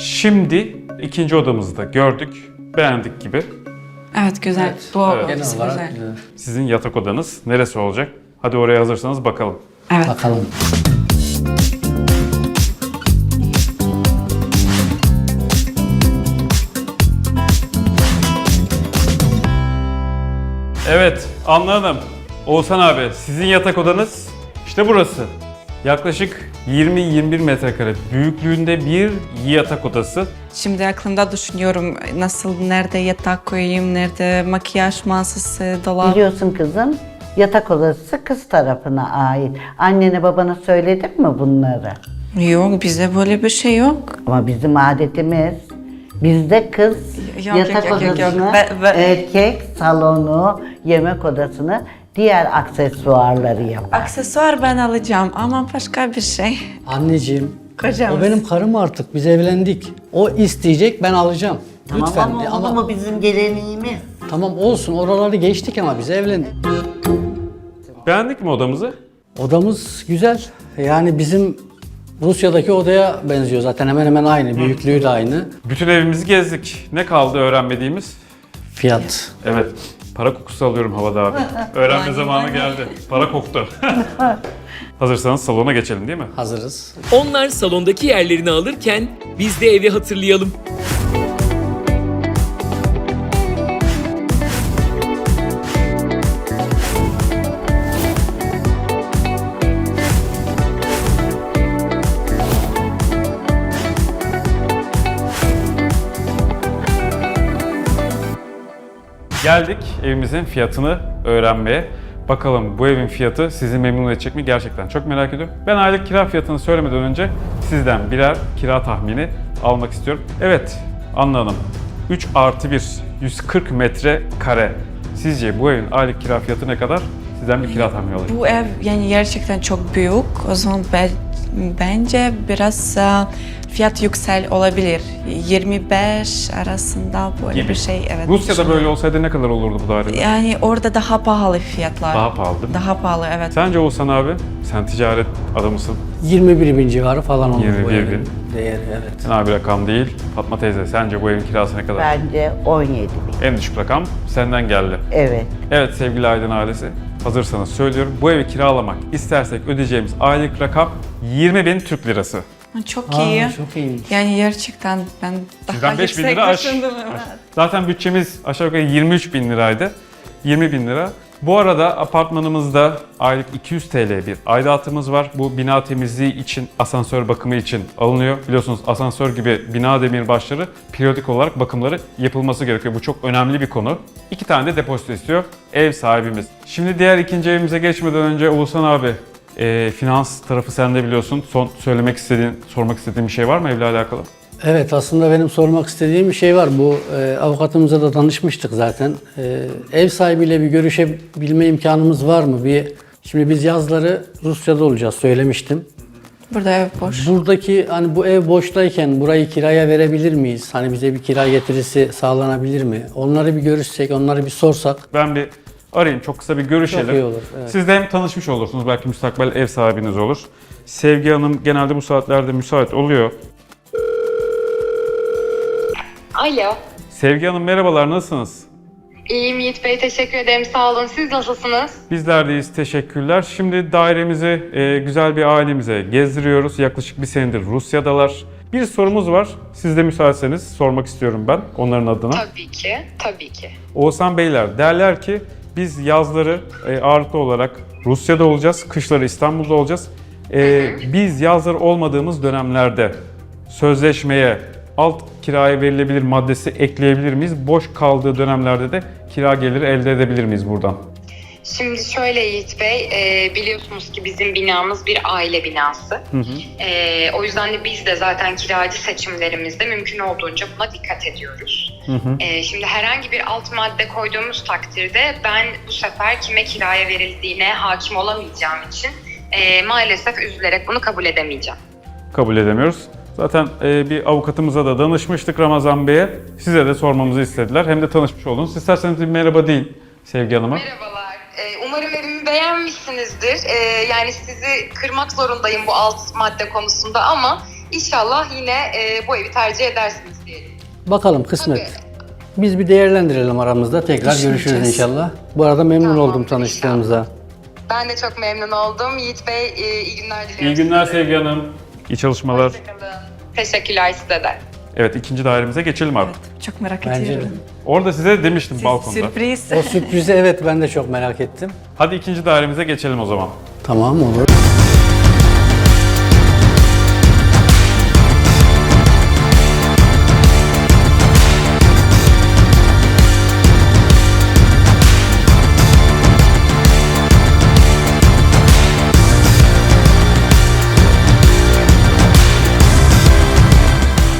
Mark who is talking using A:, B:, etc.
A: Şimdi ikinci odamızı da gördük. Beğendik gibi.
B: Evet güzel.
C: Evet,
B: Bu
A: evet.
C: Genel
B: ofis
C: olarak
B: güzel.
C: güzel.
A: Sizin yatak odanız neresi olacak? Hadi oraya hazırsanız bakalım.
B: Evet.
C: Bakalım.
A: Evet, anladım. Oğuzhan abi, sizin yatak odanız işte burası. Yaklaşık 20-21 metrekare büyüklüğünde bir yatak odası.
B: Şimdi aklımda düşünüyorum nasıl, nerede yatak koyayım, nerede makyaj masası, dolap.
D: Biliyorsun kızım, yatak odası kız tarafına ait. Annene babana söyledin mi bunları?
B: Yok, bize böyle bir şey yok.
D: Ama bizim adetimiz, bizde kız
B: Yok,
D: yatak
B: yok, yok, yok.
D: odasını,
B: Ve-
D: erkek salonu, yemek odasını, diğer aksesuarları yapar.
B: Aksesuar ben alacağım ama başka bir şey.
C: Anneciğim,
B: Kocamız.
C: o benim karım artık. Biz evlendik. O isteyecek, ben alacağım.
D: Tamam
C: Lütfen.
D: ama olur mu bizim geleneğimiz?
C: Tamam olsun, oraları geçtik ama biz evlendik.
A: Beğendik mi odamızı?
C: Odamız güzel. Yani bizim Rusya'daki odaya benziyor zaten, hemen hemen aynı. Büyüklüğü de aynı.
A: Bütün evimizi gezdik. Ne kaldı öğrenmediğimiz?
C: Fiyat.
A: Evet, para kokusu alıyorum havada abi. Öğrenme zamanı geldi. Para koktu. Hazırsanız salona geçelim değil mi?
C: Hazırız.
E: Onlar salondaki yerlerini alırken biz de evi hatırlayalım.
A: Geldik evimizin fiyatını öğrenmeye. Bakalım bu evin fiyatı sizi memnun edecek mi? Gerçekten çok merak ediyorum. Ben aylık kira fiyatını söylemeden önce sizden birer kira tahmini almak istiyorum. Evet, Anna Hanım. 3+1, 140 metrekare. Sizce bu evin aylık kira fiyatı ne kadar? Sizden bir kira tahmini alayım.
B: Bu ev yani gerçekten çok büyük. O zaman bence biraz fiyat yüksel olabilir. 25 arasında böyle
A: Gibi.
B: bir şey. Evet.
A: Rusya'da böyle olsaydı ne kadar olurdu bu daire?
B: Yani orada daha pahalı fiyatlar.
A: Daha pahalı değil mi?
B: Daha pahalı, evet.
A: Sence Oğuzhan abi, sen ticaret adamısın.
C: 21 bin civarı falan olur
A: 21
C: bu
A: bin.
C: evin değeri, evet.
A: Fena bir rakam değil. Fatma teyze, sence bu evin kirası ne kadar?
D: Bence 17 bin.
A: En düşük rakam senden geldi.
D: Evet.
A: Evet sevgili Aydın ailesi, hazırsanız söylüyorum. Bu evi kiralamak istersek ödeyeceğimiz aylık rakam 20.000 Türk lirası.
B: Çok iyi.
C: Çok iyiymiş.
B: Yani gerçekten ben daha
A: Sizden 5.000
B: yüksek
A: lira aş.
B: düşündüm. Evet.
A: Zaten bütçemiz aşağı yukarı 23.000 liraydı. 20.000 lira. Bu arada apartmanımızda aylık 200 TL bir aidatımız var. Bu bina temizliği için, asansör bakımı için alınıyor. Biliyorsunuz asansör gibi bina demirbaşları periyodik olarak bakımları yapılması gerekiyor. Bu çok önemli bir konu. 2 tane de depozito istiyor ev sahibimiz. Şimdi diğer ikinci evimize geçmeden önce Oğuzhan abi, finans tarafı sende biliyorsun. Son sormak istediğin bir şey var mı evle alakalı?
C: Evet, aslında benim sormak istediğim bir şey var. Bu avukatımıza da danışmıştık zaten. Ev sahibiyle bir görüşebilme imkanımız var mı? Şimdi biz yazları Rusya'da olacağız, söylemiştim.
B: Burada ev boş.
C: Buradaki hani bu ev boştayken burayı kiraya verebilir miyiz? Hani bize bir kira getirisi sağlanabilir mi? Onları bir görüşsek, onları bir sorsak.
A: Ben bir arayayım, çok kısa bir görüşelim.
C: Çok iyi olur, evet.
A: Siz de hem tanışmış olursunuz, belki müstakbel ev sahibiniz olur. Sevgi Hanım genelde bu saatlerde müsait oluyor.
F: Alo.
A: Sevgi Hanım merhabalar, nasılsınız?
F: İyiyim Yiğit Bey, teşekkür ederim. Sağ olun. Siz nasılsınız?
A: Bizler deyiz, teşekkürler. Şimdi dairemizi güzel bir ailemize gezdiriyoruz. Yaklaşık bir senedir Rusya'dalar. Bir sorumuz var. Siz de müsaitseniz sormak istiyorum ben onların adına.
F: Tabii ki, tabii ki.
A: Oğuzhan Beyler derler ki biz yazları ağırlıklı olarak Rusya'da olacağız, kışları İstanbul'da olacağız. Biz yazları olmadığımız dönemlerde sözleşmeye alt kiraya verilebilir maddesi ekleyebilir miyiz? Boş kaldığı dönemlerde de kira geliri elde edebilir miyiz buradan?
F: Şimdi şöyle Yiğit Bey, biliyorsunuz ki bizim binamız bir aile binası. O yüzden de biz de zaten kiracı seçimlerimizde mümkün olduğunca buna dikkat ediyoruz. Şimdi herhangi bir alt madde koyduğumuz takdirde ben bu sefer kime kiraya verildiğine hakim olamayacağım için maalesef üzülerek bunu kabul edemeyeceğim.
A: Kabul edemiyoruz. Zaten bir avukatımıza da danışmıştık, Ramazan Bey'e. Size de sormamızı istediler. Hem de tanışmış oldunuz. İsterseniz bir merhaba deyin Sevgi Hanım'a.
F: Merhabalar. Umarım evimi beğenmişsinizdir. Yani sizi kırmak zorundayım bu alt madde konusunda ama İnşallah yine bu evi tercih edersiniz diyelim.
C: Bakalım kısmet.
F: Tabii.
C: Biz bir değerlendirelim aramızda. Tekrar
B: Düşüneceğiz.
C: görüşürüz inşallah. Bu arada memnun
F: Tamam,
C: oldum tanıştığımıza.
F: Ben de çok memnun oldum. Yiğit Bey iyi günler diliyorum.
A: İyi günler Sevgi Hanım. İyi çalışmalar.
F: Hoşçakalın. Teşekkürler size de.
A: Evet, ikinci dairemize geçelim artık.
B: Evet, çok merak
C: Bence de.
B: ediyorum.
A: Orada size demiştim balkonda.
B: Sürpriz.
C: O sürprizi evet ben de çok merak ettim.
A: Hadi ikinci dairemize geçelim o zaman.
C: Tamam olur.